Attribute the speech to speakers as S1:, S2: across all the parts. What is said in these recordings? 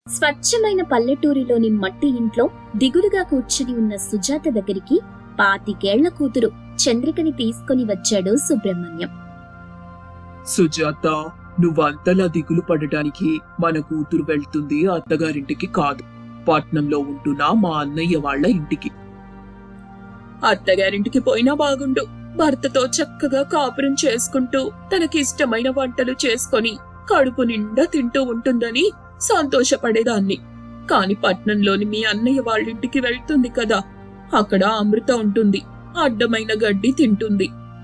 S1: స్వచ్ఛమైన పల్లెటూరిలోని మట్టి ఇంట్లో దిగులుగా కూర్చుని ఉన్న సుజాత దగ్గరికి 25 ఏళ్ల కూతురు చంద్రికని తీసుకుని వచ్చాడు సుబ్రహ్మణ్యం.
S2: సుజాత, నువ్వంతలా దిగులు పడటానికి మన కూతురు వెళ్తుంది అత్తగారింటికి కాదు, పట్నంలో ఉంటున్న మా అన్నయ్య వాళ్ళ ఇంటికి.
S3: అత్తగారింటికి పోయినా బాగుండు. భర్తతో చక్కగా కాపురం చేసుకుంటూ తనకిష్టమైన వంటలు చేసుకొని కడుపు నిండా తింటూ ఉంటుందని సంతోషపడేదాన్ని. కాని పట్నంలోని మీ అన్నయ్య వాళ్ళింటికి వెళ్తుంది కదా, అక్కడ అమృత ఉంటుంది, అడ్డమైన గడ్డి తింటుంది.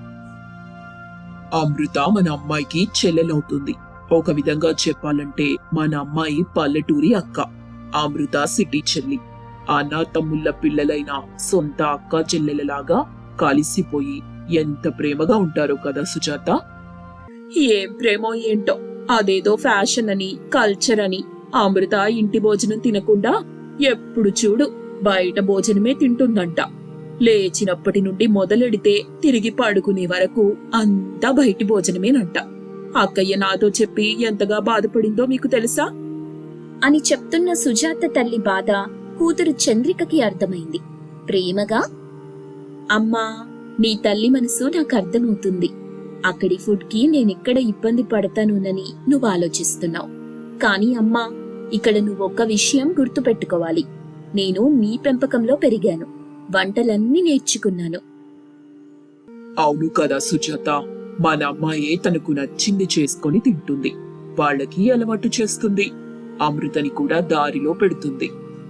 S2: అమృత మన అమ్మాయికి చెల్లెలవుతుంది. ఒక విధంగా చెప్పాలంటే మన అమ్మాయి పల్లెటూరి అక్క, అమృత సిటీ చెల్లి. అన్న తమ్ముళ్ళ పిల్లలైన సొంత అక్క చెల్లెలలాగా కలిసిపోయి ఎంత ప్రేమగా ఉంటారో కదా సుజాత.
S3: ఏం ప్రేమో ఏంటో, అదేదో ఫ్యాషన్ అని కల్చర్ అని అమృత ఇంటి భోజనం తినకుండా ఎప్పుడు చూడు బయట భోజనమే తింటుందంట. లేచినప్పటి నుండి మొదలెడితే తిరిగి పడుకునే వరకు అంతా బయటి భోజనమేనంట. అక్కయ్య నాతో చెప్పి ఎంతగా బాధపడిందో మీకు తెలుసా
S1: అని చెప్తున్న సుజాత తల్లి బాధ కూతురు చంద్రికకి అర్థమైంది. ప్రేమగా, అమ్మా, నీ తల్లి మనసు నాకు అర్థమవుతుంది. అక్కడి ఫుడ్కి నేనెక్కడ ఇబ్బంది పడతానోనని నువ్వు ఆలోచిస్తున్నావు. కానీ అమ్మా, ఇక్కడ నువ్వొక్క విషయం గుర్తుపెట్టుకోవాలి. నేను మీ పెంపకంలో పెరిగాను, వంటలన్నీ నేర్చుకున్నాను.
S2: అవును కదా సుజాత, మన అమ్మాయే తనకు నచ్చింది చేసుకొని తింటుంది, వాళ్ళకి అలవాటు చేస్తుంది, అమృతని కూడా దారిలో పెడుతుంది.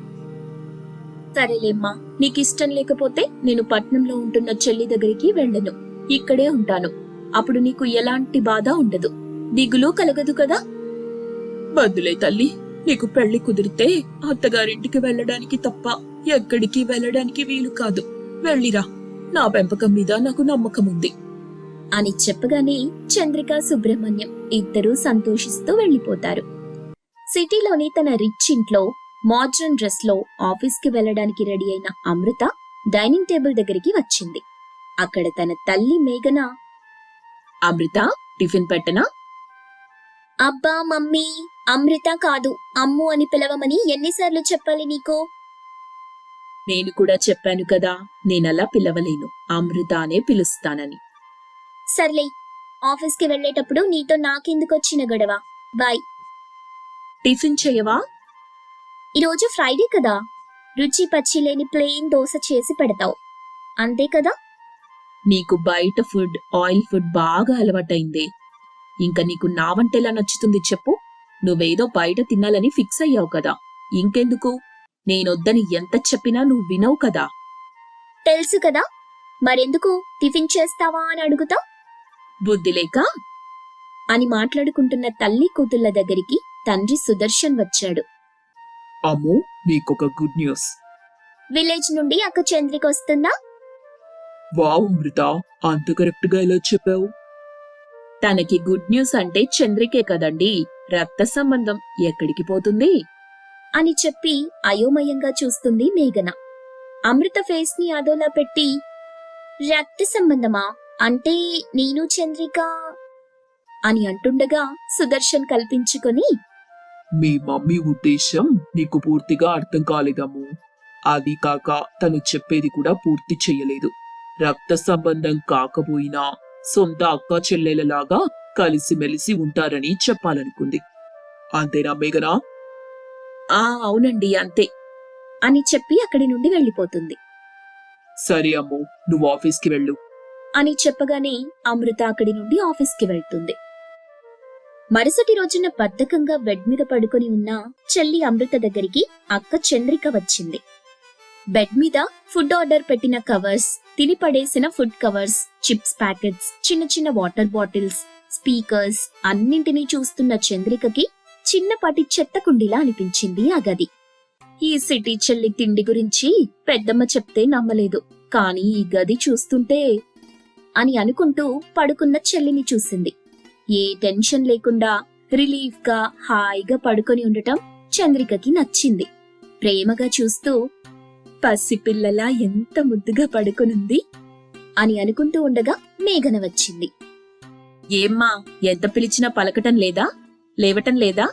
S1: సరేలేమ్మా, నీకిష్టం లేకపోతే నేను పట్నంలో ఉంటున్న చెల్లి దగ్గరికి వెళ్ళను, ఇక్కడే ఉంటాను. అప్పుడు నీకు ఎలాంటి బాధ ఉండదు, దిగులు కలగదు కదా.
S3: బదులే తల్లి, నీకు పెళ్లి కుదిరితే అత్తగారింటికి వెళ్ళడానికి తప్ప ఎక్కడికి వెళ్ళడానికి వీలు కాదు. వెళ్ళిరా, నా పెంపకం మీద నాకు నమ్మకం ఉంది
S1: అని చెప్పగానే చంద్రిక, సుబ్రహ్మణ్యం ఇద్దరూ సంతోషిస్తూ వెళ్లిపోతారు. సిటీలోని తన రిచ్ ఇంట్లో మోడ్రన్ డ్రెస్ లో ఆఫీస్కి వెళ్లడానికి రెడీ అయిన అమృత డైనింగ్ టేబుల్ దగ్గరికి వచ్చింది. అక్కడ తన తల్లి మేఘన,
S3: అమృత, టిఫిన్ పెట్టనా?
S1: అబ్బా మమ్మీ, అమృత కాదు అమ్ము అని పిలవమని ఎన్నిసార్లు చెప్పాలి నీకు?
S3: నేను కూడా చెప్పాను కదా, నేనలా పిలవలేను, అమృత అనే పిలుస్తానని.
S1: సర్లే, ఆఫీస్కి వెళ్లేటప్పుడు నీతో నాకెందుకొచ్చిన గొడవ. బాయ్.
S3: టిఫిన్ చేయవా?
S1: ఈరోజు ఫ్రైడే కదా, రుచి పచ్చి లేని ప్లెయిన్ దోశ చేసి పెడతావు, అంతే కదా?
S3: నీకు బయట ఫుడ్, ఆయిల్ ఫుడ్ బాగా అలవాటైందే. ఇంకా నీకు నా వంటెలా నచ్చుతుంది చెప్పు? నువ్వేదో బయట తినాలని ఫిక్స్ అయ్యావు కదా, ఇంకెందుకు? నేనొద్దని ఎంత చెప్పినా నువ్వు వినవు కదా.
S1: తెలుసు కదా, మరెందుకు టిఫిన్ చేస్తావా అని అడుగుతావు?
S3: బుద్ధి లేక
S1: అని మాట్లాడుకుంటున్న తల్లి కూతుళ్ల దగ్గరికి తండ్రి సుదర్శన్ వచ్చాడు.
S2: అమ్మో, నీకొక గుడ్ న్యూస్.
S1: విలేజ్ నుండి అక్క చంద్రిక వస్తుందా?
S2: వావ్ అమృత, అంత కరెక్ట్ గా ఎలా చెప్పావు?
S3: తనకి గుడ్ న్యూస్ అంటే చంద్రికే కదండి, రక్త సంబంధం ఎక్కడికి పోతుంది
S1: అని చెప్పి అయోమయంగా చూస్తుంది మేఘన. అమృత ఫేస్ ని అదోలా పెట్టి, రక్త సంబంధమా అంటే నేను చంద్రిక అని అంటుండగా సుదర్శన్ కల్పించుకొని,
S2: మీ మమ్మీ ఉద్దేశం నీకు పూర్తిగా అర్థం కాలేదమ్ము. అది కాక తను చెప్పేది కూడా పూర్తి చెయ్యలేదు. రక్త సంబంధం కాకపోయినా సొంత అక్క చెల్లెలలాగా కలిసిమెలిసి ఉంటారని చెప్పాలనుకుంది. అంతేనా మేఘనా?
S3: అవునండి, అంతే
S1: అని చెప్పి అక్కడి నుండి వెళ్లిపోతుంది.
S2: సరే అమ్ము, నువ్వు ఆఫీస్కి వెళ్ళు
S1: అని చెప్పగానే అమృత అక్కడి నుండి ఆఫీస్కి వెళ్తుంది. మరుసటి రోజున బద్ధకంగా బెడ్ మీద పడుకొని ఉన్న చెల్లి అమృత దగ్గరికి అక్క చంద్రిక వచ్చింది. బెడ్ మీద ఫుడ్ ఆర్డర్ పెట్టిన కవర్స్, తిని పడేసిన ఫుడ్ కవర్స్, చిప్స్ ప్యాకెట్స్, చిన్న చిన్న వాటర్ బాటిల్స్, స్పీకర్స్ అన్నింటినీ చూస్తున్న చంద్రికకి చిన్నపాటి చెత్త కుండీలా అనిపించింది ఆ గది. ఈ సిటీ చెల్లి తిండి గురించి పెద్దమ్మ చెప్తే నమ్మలేదు, కానీ ఈ గది చూస్తుంటే అని అనుకుంటూ పడుకున్న చెల్లిని చూసింది. ఏ టెన్షన్ లేకుండా రిలీఫ్ గా హాయిగా పడుకొని ఉండటం చంద్రికకి నచ్చింది. ప్రేమగా చూస్తూ, పసిపిల్లలా ఎంత ముద్దుగా పడుకొనుంది అని అనుకుంటూ ఉండగా మేఘన వచ్చింది.
S3: ఏమ్మా, ఎంత పిలిచినా పలకటం లేదా, లేవటం లేదా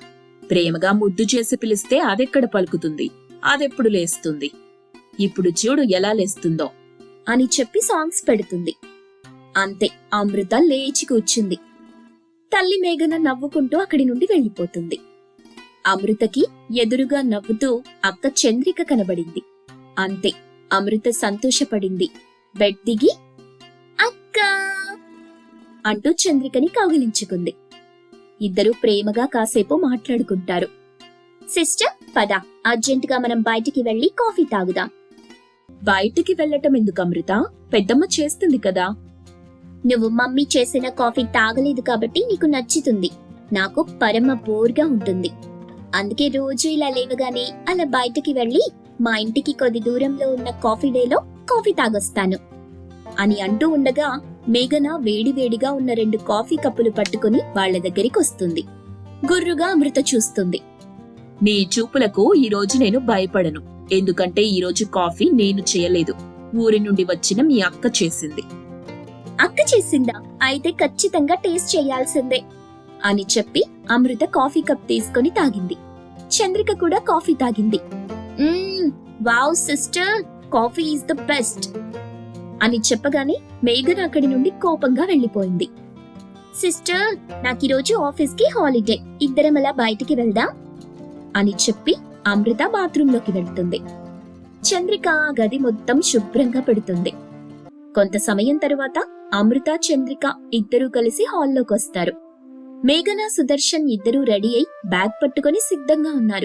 S3: ప్రేమగా ముద్దు చేసి పిలిస్తే అదెక్కడ పలుకుతుంది, అదెప్పుడు లేస్తుంది. ఇప్పుడు చూడు ఎలా లేస్తుందో
S1: అని చెప్పి సాంగ్స్ పెడుతుంది. అంతే, అమృత లేచి కూర్చుంది. తల్లి మేఘన నవ్వుకుంటూ అక్కడి నుండి వెళ్ళిపోతుంది. అమృతకి ఎదురుగా నవ్వుతూ అక్క చంద్రిక కనబడింది. అంతే, అమృత సంతోషపడింది. బెడ్ దిగి అక్కా అంటూ చంద్రికని కౌగిలించుకుంది. ఇద్దరూ ప్రేమగా కాసేపు మాట్లాడుకుంటారు. సిస్టర్, పద, అర్జెంటుగా మనం బయటికి వెళ్లి కాఫీ తాగుదాం.
S3: బయటికి వెళ్ళటం ఎందుకు అమృత? పెద్దమ్మ చేస్తుంది కదా.
S1: నువ్వు మమ్మీ చేసిన కాఫీ తాగలేదు కాబట్టి నీకు నచ్చుతుంది. నాకు పరమ బోర్గా ఉంటుంది. అందుకే రోజు ఇలా లేవగానే అలా బయటికి వెళ్లి మా ఇంటికి కొద్ది దూరంలో ఉన్న కాఫీ డేలో కాఫీ తాగొస్తాను అని అంటూ ఉండగా మేఘన వేడివేడిగా ఉన్న 2 కాఫీ కప్పులు పట్టుకుని వాళ్ల దగ్గరికి వస్తుంది. గుర్రుగా అమృత చూస్తుంది.
S3: నీ చూపులకు ఈ రోజు నేను భయపడను. ఎందుకంటే ఈ రోజు కాఫీ నేను చేయలేదు, ఊరి నుండి వచ్చిన మీ అక్క చేసింది.
S1: అక్క చేసిందా? అయితే ఖచ్చితంగా టేస్ట్ చేయాల్సిందే అని చెప్పి అమృత కాఫీ కప్ తీసుకొని తాగింది. చంద్రిక కూడా కాఫీ తాగింది. Wow sister, coffee is the best అని చెప్పగానే మేఘన అక్కడి నుండి కోపంగా వెళ్లిపోయింది. సిస్టర్, నాకీరోజు ఆఫీస్ కి హాలిడే, ఇద్దరం అలా బయటికి వెళ్దాం అని చెప్పి అమృత బాత్రూంలోకి వెళ్తుంది. చంద్రిక ఆ గది మొత్తం శుభ్రంగా పెడుతుంది. కొంత సమయం తరువాత అమృత, చంద్రిక ఇద్దరూ కలిసి హాల్లోకి వస్తారు. మేఘన, సుదర్శన్ ఇద్దరూ రెడీ అయి బ్యాగ్ పట్టుకొని సిద్ధంగా ఉన్నారు.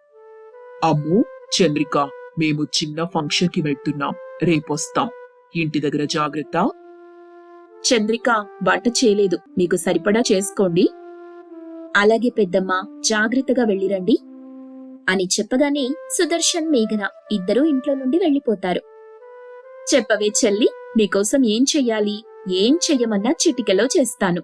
S2: అమ్ము, చంద్రిక, మేము చిన్న ఫంక్షన్ కి వెళ్తున్నాం. రేపొస్తాం. ఇంటి దగ్గర జాగ్రత్త.
S3: చంద్రిక, వంట చేయలేదు, మీకు సరిపడా చేసుకోండి.
S1: అలాగే పెద్దమ్మ, జాగ్రత్తగా వెళ్ళిరండి అని చెప్పగానే సుదర్శన్, మేఘన ఇద్దరూ ఇంట్లో నుండి వెళ్లిపోతారు.
S3: చెప్పవే చెల్లి, నీకోసం ఏం చెయ్యాలి? ఏం చెయ్యమన్నా చిటికెలో చేస్తాను.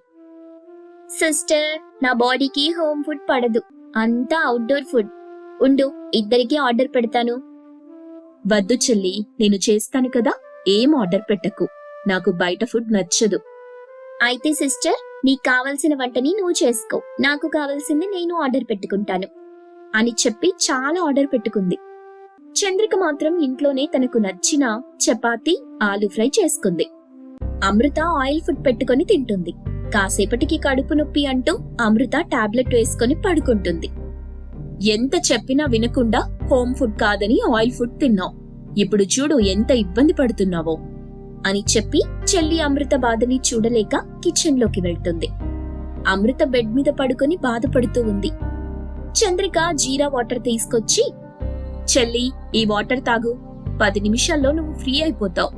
S1: సిస్టర్, నా బాడీకి హోమ్ ఫుడ్ పడదు, అంతా అవుట్డోర్ ఫుడ్. ఉండు, ఇద్దరికి ఆర్డర్ పెడతాను.
S3: వద్దు చెల్లి, నేను చేస్తాను కదా, ఏం ఆర్డర్ పెట్టకు. నాకు బయట ఫుడ్ నచ్చదు.
S1: అయితే సిస్టర్, నీకు కావలసిన వంటని నువ్వు చేసుకో, నాకు కావలసింది నేను ఆర్డర్ పెట్టుకుంటాను అని చెప్పి చాలా ఆర్డర్ పెట్టుకుంది. చంద్రిక మాత్రం ఇంట్లోనే తనకు నచ్చిన చపాతీ, ఆలూ ఫ్రై చేసుకుంది. అమృత ఆయిల్ ఫుడ్ పెట్టుకొని తింటుంది. కాసేపటికి కడుపు నొప్పి అంటూ అమృత టాబ్లెట్ వేసుకొని పడుకుంటుంది.
S3: ఎంత చెప్పినా వినకుండా హోమ్ ఫుడ్ కాదని ఆయిల్ ఫుడ్ తిన్నావు. ఇప్పుడు చూడు ఎంత ఇబ్బంది పడుతున్నావో
S1: అని చెప్పి చెల్లి అమృత బాధని చూడలేక కిచెన్ లోకి వెళ్తుంది. అమృత బెడ్ మీద పడుకొని బాధపడుతూ ఉంది. చంద్రిక జీరా వాటర్ తీసుకొచ్చి,
S3: చెల్లి, ఈ వాటర్ తాగు, 10 నిమిషాల్లో నువ్వు ఫ్రీ అయిపోతావు.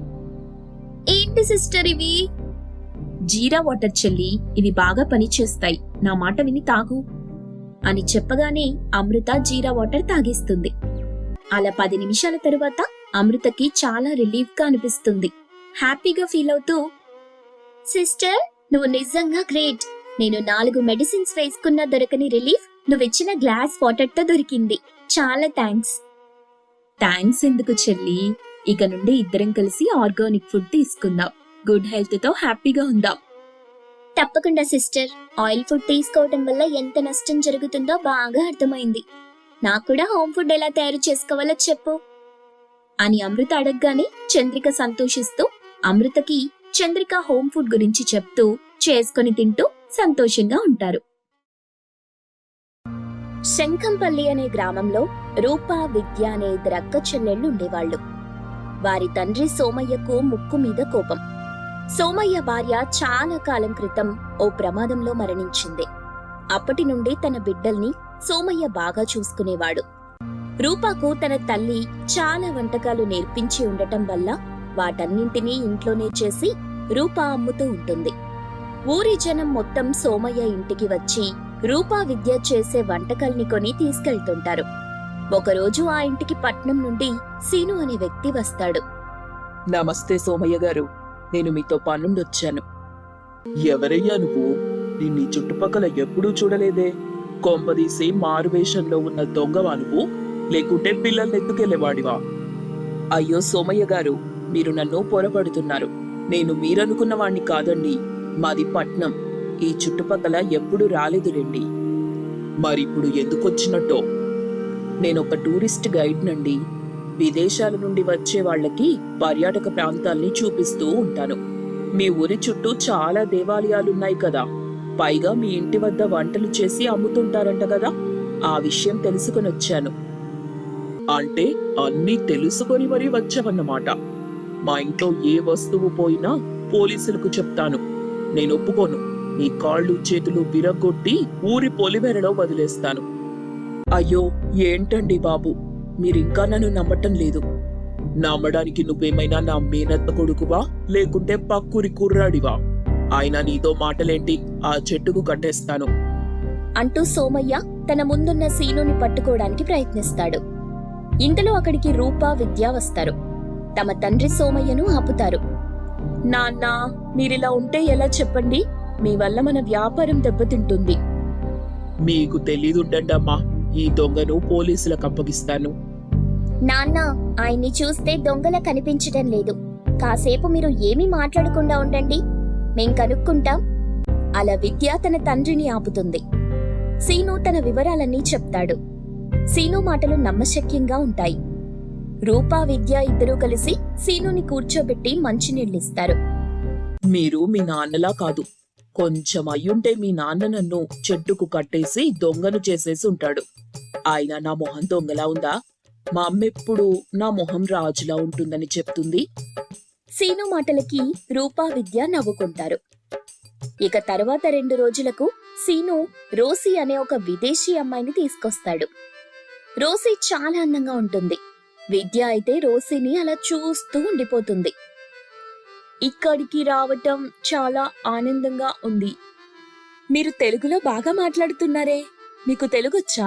S1: ఏంటి సిస్టర్ ఇవి?
S3: జీరా వాటర్ చెల్లి, ఇవి బాగా పనిచేస్తాయి, నా మాట విని తాగు
S1: అని చెప్పగానే అమృత జీరా వాటర్ తాగేస్తుంది. అలా 10 నిమిషాల తరువాత అమృతకి చాలా రిలీఫ్ గా అనిపిస్తుంది. హ్యాపీగా ఫీల్ అవుతూ, సిస్టర్, నువ్వు నిజంగా గ్రేట్. నేను 4 మెడిసిన్స్ వేసుకున్నా దొరకని రిలీఫ్ నువ్విచ్చిన గ్లాస్ వాటర్ తో దొరికింది. చాలా థ్యాంక్స్.
S3: థ్యాంక్స్ ఎందుకు చెల్లి, ఇక నుండి ఇద్దరం కలిసి ఆర్గానిక్ ఫుడ్ తీసుకుందాం. గుడ్ హెల్త్ తో హ్యాపీగా ఉందాం.
S1: తప్పకుండా సిస్టర్, ఆయిల్ ఫుడ్ తీసుకోవడం వల్ల ఎంత నష్టం జరుగుతుందో బాగా అర్థమైంది. నాకు కూడా హోమ్ ఫుడ్ ఎలా తయారు చేసుకోవాలో చెప్పు అని అమృత అడగగానే చంద్రిక సంతోషిస్తూ అమృతకి చంద్రిక హోమ్ ఫుడ్ గురించి చెప్తూ చేసుకొని తింటూ సంతోషంగా ఉంటారు. శంఖంపల్లి అనే గ్రామంలో రూపా, విద్య అనే 2 అక్క చెల్లెళ్లు ఉండేవాళ్లు. వారి తండ్రి సోమయ్యకు ముక్కు మీద కోపం. సోమయ్య భార్య చాలా కాలం క్రితం ఓ ప్రమాదంలో మరణించింది. అప్పటి నుండి తన బిడ్డల్ని సోమయ్య బాగా చూసుకునేవాడు. రూపాకు తన తల్లి చాలా వంటకాలు నేర్పించి ఉండటం వల్ల వాటన్నింటినీ ఇంట్లోనే చేసి రూపా అమ్ముతూ ఉంటుంది. ఊరి జనం మొత్తం సోమయ్య ఇంటికి వచ్చి రూపా, విద్య చేసే వంటకాల్ని కొని తీసుకెళ్తుంటారు. ఒకరోజు ఆ ఇంటికి పట్నం నుండి సీను అనే వ్యక్తి వస్తాడు.
S2: నమస్తే సోమయ్య గారు, నేను మీతో పనుండొచ్చాను. ఎవరయ్యా నువ్వు? నిన్ను చుట్టుపక్కల ఎప్పుడూ చూడలేదే. కొంపదీసి మారువేషంలో ఉన్న దొంగవా నువ్వు, లేకుంటే పిల్లల్ని ఎత్తుకెళ్లేవాడివా? అయ్యో సోమయ్య గారు, మీరు నన్ను పొరపడుతున్నారు. నేను మీరనుకున్న వాణ్ణి కాదండి. మాది పట్నం, ఈ చుట్టుపక్కల ఎప్పుడూ రాలేదు రండి. మరిప్పుడు ఎందుకు వచ్చినట్టో?
S3: నేనొక టూరిస్ట్ గైడ్ నండి. విదేశాల నుండి వచ్చే వాళ్ళకి పర్యాటక ప్రాంతాల్ని చూపిస్తూ ఉంటాను. మీ ఊరి చుట్టూ చాలా దేవాలయాలున్నాయి కదా, పైగా మీ ఇంటి వద్ద వంటలు చేసి అమ్ముతుంటారంట కదా, ఆ విషయం తెలుసుకొని వచ్చాను.
S2: అంటే అన్నీ తెలుసుకొని మరీ వచ్చావన్నమాట. మా ఇంట్లో ఏ వస్తువు పోయినా పోలీసులకు చెప్తాను. నేను ఒప్పుకోను. నీ కాళ్ళు చేతులు విరగొట్టి ఊరి పొలిమేరలో వదిలేస్తాను.
S3: అయ్యో, ఏంటండి బాబు, మీరింకా నన్ను నమ్మటం లేదు.
S2: నమ్మడానికి నువ్వేమైనా నా మేనత్త కొడుకువా, లేకుంటే పక్కూరి కుర్రాడివా? ఆయన నీతో మాటలేంటి? ఆ చెట్టుకు కట్టేస్తాను
S1: అంటూ సోమయ్య తన ముందున్న సీనుని పట్టుకోవడానికి ప్రయత్నిస్తాడు. ఇంతలో అక్కడికి రూప, విద్య వస్తారు. తమ తండ్రి సోమయ్యను ఆపుతారు.
S3: నాన్న, మీరిలా ఉంటే ఎలా చెప్పండి? మీ వల్ల మన వ్యాపారం దెబ్బతింటుంది.
S2: మీకు తెలీదుండమ్మా, ఈ దొంగను పోలీసులకు అప్పగిస్తాను.
S1: నాన్న, ఆయన్ని చూస్తే దొంగలా కనిపించటం లేదు. కాసేపు మీరు ఏమీ మాట్లాడకుండా ఉండండి, మేం కనుక్కుంటాం. అలా విద్య తన తండ్రిని ఆపుతుంది. సీను తన వివరాలన్నీ చెప్తాడు. సీను మాటలు నమ్మశక్యంగా ఉంటాయి. రూపా, విద్య ఇద్దరూ కలిసి సీనుని కూర్చోబెట్టి మంచినీళ్ళిస్తారు.
S3: మీరు మీ నాన్నలా కాదు. కొంచెం అయ్యుంటే మీ నాన్న నన్ను చెట్టుకు కట్టేసి దొంగను చేసేసి ఉంటాడు. ఆయన నా మొహం దొంగలా ఉందా? మా అమ్మెప్పుడు నా మొహం రాజులా ఉంటుందని చెప్తుంది.
S1: సీను మాటలకి రూపా, విద్య నవ్వుకుంటారు. ఇక తర్వాత 2 రోజులకు సీను రోసీ అనే ఒక విదేశీ అమ్మాయిని తీసుకొస్తాడు. రోసీ చాలా అందంగా ఉంటుంది. విద్య అయితే రోసీని అలా చూస్తూ ఉండిపోతుంది.
S3: ఇక్కడికి రావటం చాలా ఆనందంగా ఉంది. మీరు తెలుగులో బాగా మాట్లాడుతున్నారే, మీకు తెలుగొచ్చా?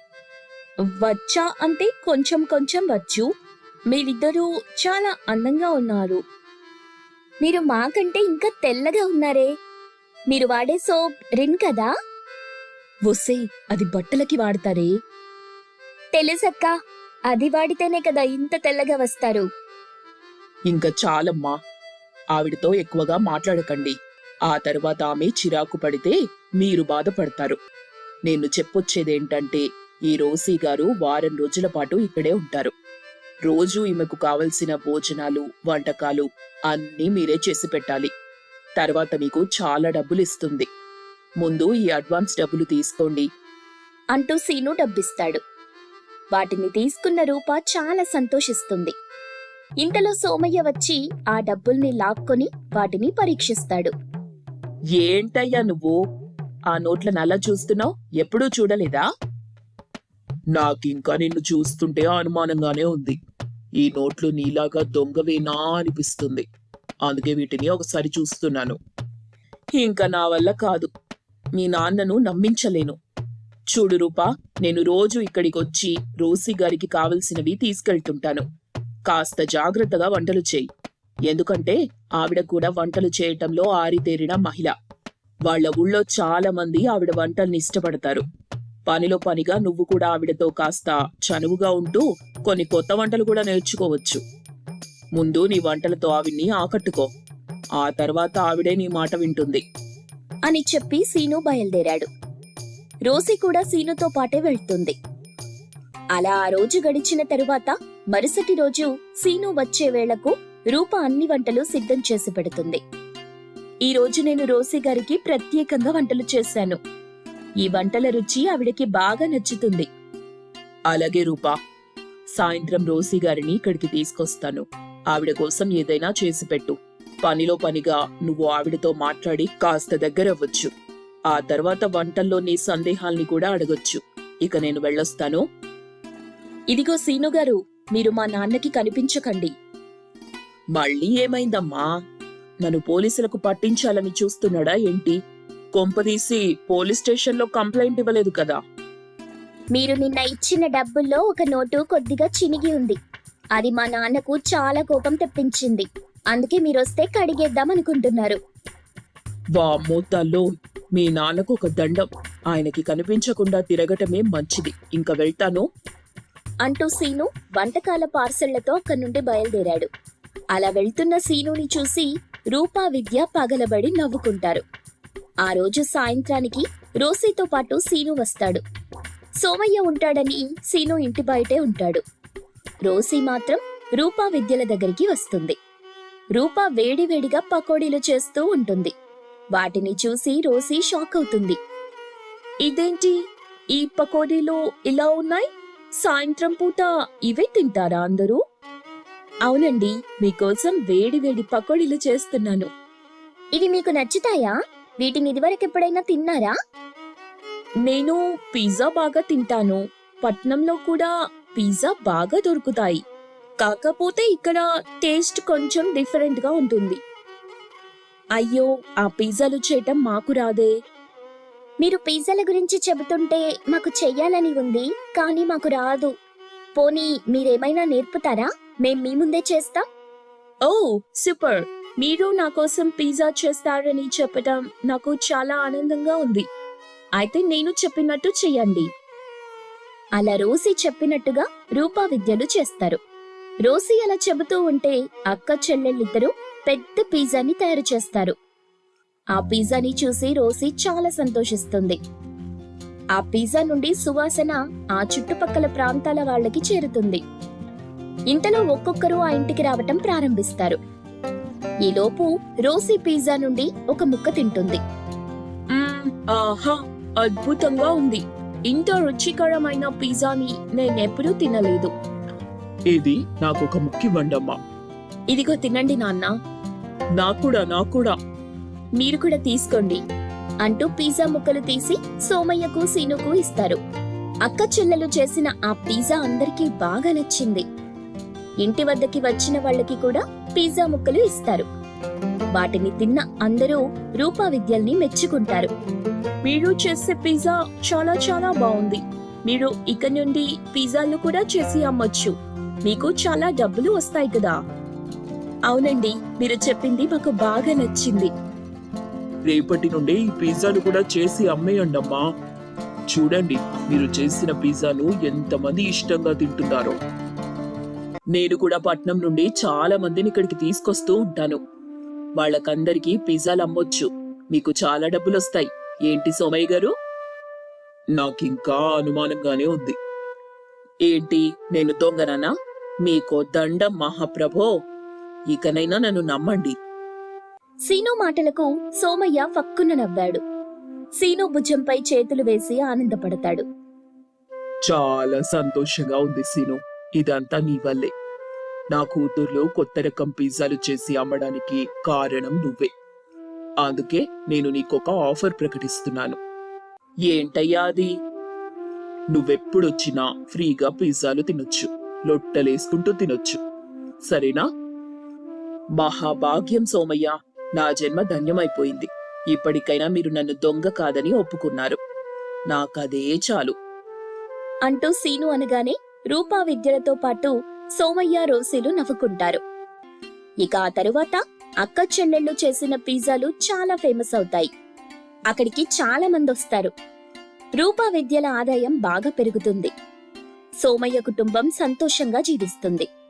S3: వచ్చా అంటే కొంచెం కొంచెం వచ్చు. మీరిద్దరూ చాలా అందంగా ఉన్నారు.
S1: మీరు మాకంటే ఇంకా తెల్లగా ఉన్నారే. మీరు వాడే సోప్ రిన్ కదా?
S3: వొసే, అది బట్టలకి వాడతారే.
S1: తెలుసక్కా, అది వాడితేనే కదా ఇంత తెల్లగా వస్తారు.
S3: ఇంకా చాలమ్మా, ఆవిడతో ఎక్కువగా మాట్లాడకండి. ఆ తర్వాత ఆమె చిరాకు పడితే మీరు బాధపడతారు. నేను చెప్పొచ్చేదేంటంటే, ఈ రోసీ గారు వారం రోజుల పాటు ఇక్కడే ఉంటారు. రోజూ ఈమెకు కావలసిన భోజనాలు, వంటకాలు అన్నీ మీరే చేసి పెట్టాలి. తర్వాత మీకు చాలా డబ్బులు ఇస్తుంది. ముందు ఈ అడ్వాన్స్ డబ్బులు తీసుకోండి
S1: అంటూ సీను డబ్బిస్తాడు. వాటిని తీసుకున్న రూప చాలా సంతోషిస్తుంది. ఇంతలో సోమయ్య వచ్చి ఆ డబ్బుల్ని లాక్కొని వాటిని పరీక్షిస్తాడు.
S3: ఏంటయ్యా నువ్వు ఆ నోట్లను అలా చూస్తున్నావు? ఎప్పుడూ చూడలేదా?
S2: నాకింకా నిన్ను చూస్తుంటే అనుమానంగానే ఉంది. ఈ నోట్లు నీలాగా దొంగవేనా అనిపిస్తుంది. అందుకే వీటిని ఒకసారి చూస్తున్నాను.
S3: ఇంకా నా వల్ల కాదు. మీ నాన్నను నమ్మించలేను. చూడు రూపా, నేను రోజు ఇక్కడికొచ్చి రోసీ గారికి కావలసినవి తీసుకెళ్తుంటాను. కాస్త జాగ్రత్తగా వంటలు చేయి. ఎందుకంటే ఆవిడ కూడా వంటలు చేయటంలో ఆరితేరిన మహిళ. వాళ్ల ఊళ్ళో చాలా మంది ఆవిడ వంటల్ని ఇష్టపడతారు. పనిలో పనిగా నువ్వు కూడా ఆవిడతో కాస్త చనువుగా ఉంటూ కొన్ని కొత్త వంటలు కూడా నేర్చుకోవచ్చు. ముందు నీ వంటలతో ఆవిడ్ని ఆకట్టుకో. ఆ తర్వాత ఆవిడే నీ మాట వింటుంది
S1: అని చెప్పి సీను బయలుదేరాడు. రోసీ కూడా సీనుతో పాటే వెళ్తుంది. అలా ఆ రోజు గడిచిన తరువాత మరుసటి రోజు సీను వచ్చే వేళకు రూప అన్ని వంటలు సిద్ధం చేసి పెడుతుంది. ఈ రోజు నేను రోసీ గారికి ప్రత్యేకంగా వంటలు చేశాను. ఈ వంటల రుచి ఆవిడకి బాగా నచ్చుతుంది.
S3: అలాగే రూపా, సాయంత్రం రోసీ గారిని ఇక్కడికి తీసుకొస్తాను. ఆవిడ కోసం ఏదైనా చేసి పెట్టు. పనిలో పనిగా నువ్వు ఆవిడతో మాట్లాడి కాస్త దగ్గరవ్వచ్చు. ఆ తర్వాత వంటల్లో నీ సందేహాల్ని కూడా అడగొచ్చు. ఇక నేను వెళ్ళొస్తాను. ఇదిగో సీను గారు, మీరు మా నాన్నకి కనిపించకండి. మళ్ళీ ఏమైందమ్మా? నన్ను పోలీసులకు పట్టించాలని చూస్తున్నాడా ఏంటి? కొంపదీసి పోలీస్ స్టేషన్లో కంప్లైంట్ ఇవ్వలేదు కదా?
S1: మీరు నిన్న ఇచ్చిన డబ్బుల్లో ఒక నోటు కొద్దిగా చినిగి ఉంది. అది మా నాన్నకు చాలా కోపం తెప్పించింది. అందుకే మీరొస్తే కడిగేద్దామనుకుంటున్నారు.
S3: వామ్మో తల్లో, మీ నాన్నకు ఒక దండం. ఆయనకి కనిపించకుండా తిరగటమే మంచిది. ఇంక వెళ్తాను
S1: అంటూ సీను వంటకాల పార్సళ్లతో అక్కడి నుండి బయలుదేరాడు. అలా వెళ్తున్న సీనుని చూసి రూపా, విద్య పగలబడి నవ్వుకుంటారు. ఆ రోజు సాయంత్రానికి రోసీతో పాటు సీను వస్తాడు. సోమయ్య ఉంటాడని సీను ఇంటి బయటే ఉంటాడు. రోసీ మాత్రం రూపా విద్యల దగ్గరికి వస్తుంది. రూపా వేడివేడిగా పకోడీలు చేస్తూ ఉంటుంది. వాటిని చూసి రోసీ షాక్ అవుతుంది. ఇదేంటి, ఈ పకోడీలు ఇలా ఉన్నాయి? సాయంత్రం పూట ఇవే తింటారా అందరూ? అవునండి, మీకోసం వేడివేడి పకోడీలు చేస్తున్నాను. ఇవి మీకు నచ్చుతాయా? వీటిని ఇదివరకెప్పుడైనా తిన్నారా? నేను పిజ్జా బాగా తింటాను. పట్నంలో కూడా పిజ్జా బాగా దొరుకుతాయి. కాకపోతే ఇక్కడ టేస్ట్ కొంచెం డిఫరెంట్ గా ఉంటుంది. అయ్యో, ఆ పిజ్జాలు చేయటం మాకు రాదే. మీరు పిజ్జాల గురించి చెబుతుంటే మాకు చెయ్యాలని ఉంది, కానీ మాకు రాదు. పోనీ మీరేమైనా నేర్పుతారా? మేం మీ ముందే చేస్తాం. ఓ సూపర్, మీరు నా కోసం పిజ్జా చేస్తారని చెప్పడం నాకు చాలా ఆనందంగా ఉంది. అయితే నేను చెప్పినట్టు చెయ్యండి. అలా రోసీ చెప్పినట్టుగా రూపా విద్యలు చేస్తారు. రోసీ అలా చెబుతూ ఉంటే అక్క చెల్లెళ్ళిద్దరూ పెద్ద పిజ్జాని తయారు చేస్తారు. ఆ పిజ్జాని చూసి రోసీ చాలా సంతోషిస్తుంది. ఆ పిజ్జా నుండి సువాసన ఆ చుట్టుపక్కల ప్రాంతాల వాళ్ళకి చేరుతుంది. ఇంతలో ఒక్కొక్కరు ఆ ఇంటికి రావటం ప్రారంభిస్తారు. ఈలోపు రోసీ పిజ్జా నుండి ఒక ముక్క తింటుంది. ఆహా, అద్భుతంగా ఉంది. ఇంత రుచికరమైన పిజ్జాని నేనెప్పుడూ తినలేదు.
S2: ఇది నాకొక ముఖ్య వండమ్మా.
S1: ఇదిగో తినండి నాన్న.
S2: నాకూడా.
S1: మీరు కూడా తీసుకోండి అంటూ పిజ్జా ముక్కలు తీసి సోమయ్యకు సీనుకు ఇస్తారు. అక్క చెల్లెలు చేసిన ఆ పిజ్జా అందరికీ బాగా నచ్చింది. ఇంటి వద్దకి వచ్చిన వాళ్ళకి కూడా పిజ్జా ముక్కలు ఇస్తారు. వాటిని తిన్న అందరూ రూపా విద్యల్ని మెచ్చుకుంటారు. మీరు చేసే పిజ్జా చాలా చాలా బాగుంది. మీరు ఇక నుండి పిజ్జాలు కూడా చేసి అమ్మొచ్చు. మీకు చాలా డబ్బులు వస్తాయి కదా. అవునండి, మీరు చెప్పింది మాకు బాగా నచ్చింది.
S2: రేపటి నుండి ఈ పిజ్జాలు కూడా చేసి అమ్మేయండమ్మా. చూడండి, మీరు చేసిన పిజ్జాను ఎంతమంది ఇష్టంగా తింటున్నారో. నేను కూడా పట్నం నుండి చాలా మందిని ఇక్కడికి తీసుకొస్తూ ఉంటాను. వాళ్ళకందరికీ పిజ్జాలు అమ్మొచ్చు. మీకు చాలా డబ్బులొస్తాయి. ఏంటి సోమయ్య గారు? నాకింకా అనుమానంగానే ఉంది. ఏంటి, నేను దొంగననా? మీకో దండం మహాప్రభో. ఇకనైనా నన్ను నమ్మండి.
S1: సీను మాటలకు సోమయ్య ఫక్కున నవ్వాడు. సీను భుజంపై చేతులు వేసి ఆనందపడతాడు.
S2: చాలా సంతోషంగా ఉంది సీను. ఇదంతా నీ వల్లే. నా కూతుర్లో కొత్త రకం పిజ్జాలు చేసి అమ్మడానికి కారణం నువ్వే. అందుకే నేను నీకొక ఆఫర్ ప్రకటిస్తున్నాను. ఏంటయ్యా అది? నువ్వెప్పుడొచ్చినా ఫ్రీగా పిజ్జాలు తినొచ్చు. లొట్టలేసుకుంటూ తినొచ్చు. సరేనా? మహాభాగ్యం సోమయ్య, నా జన్మ ధన్యమైపోయింది. ఇప్పటికైనా మీరు నన్ను దొంగ కాదని ఒప్పుకున్నారు. నాకదే చాలు
S1: అంటూ సీను అనగానే రూపా విద్యలతో పాటు సోమయ్య రోసీలు నవ్వుకుంటారు. ఇక ఆ తరువాత అక్క చెల్లెళ్ళు చేసిన పిజ్జాలు చాలా ఫేమస్ అవుతాయి. అక్కడికి చాలా మంది వస్తారు. రూపా విద్యల ఆదాయం బాగా పెరుగుతుంది. సోమయ్య కుటుంబం సంతోషంగా జీవిస్తుంది.